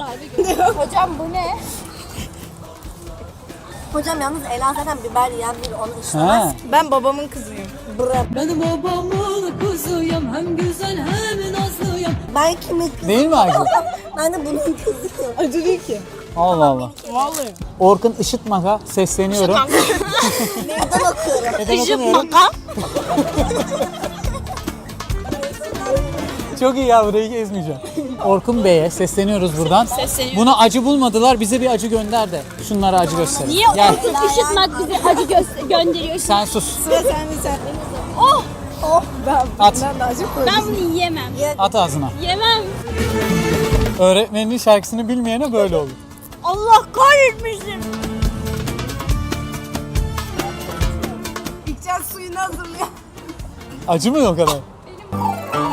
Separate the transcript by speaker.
Speaker 1: Hocam bu ne?
Speaker 2: Hocam yalnız Ela zaten biber yiyen biri, onu işlemez.
Speaker 1: Ben babamın kızıyım.
Speaker 3: Ben babamın kızıyım, hem güzel hem nazlıyım.
Speaker 2: Ben kimin kızıyım?
Speaker 4: Değil mi Acı?
Speaker 2: Ben de bunun kızıyım.
Speaker 1: Acı değil ki.
Speaker 4: Allah Allah.
Speaker 1: Vallahi.
Speaker 4: Orkun Işıtmak'a sesleniyorum.
Speaker 2: Meydan okuyorum.
Speaker 4: Neden okumuyorum? Çok iyi ya, burayı gezmeyeceğim. Orkun Bey'e sesleniyoruz buradan.
Speaker 5: Sesleniyorum.
Speaker 4: Buna acı bulmadılar, bize bir acı gönder de. Şunlara acı göster.
Speaker 5: Niye
Speaker 4: Gel.
Speaker 5: Orkun Işıtmak bize acı gönderiyor?
Speaker 4: Sen sus.
Speaker 1: Sıra sende sen.
Speaker 5: Oh!
Speaker 4: At.
Speaker 1: Ben de acı koydum.
Speaker 5: Ben bunu yiyemem.
Speaker 4: At ağzına.
Speaker 5: Yemem.
Speaker 4: Öğretmeninin şarkısını bilmeyene böyle olur.
Speaker 5: Allah kahretmesin.
Speaker 1: İlkcan suyunu hazırlıyor.
Speaker 4: Acı mı o kadar?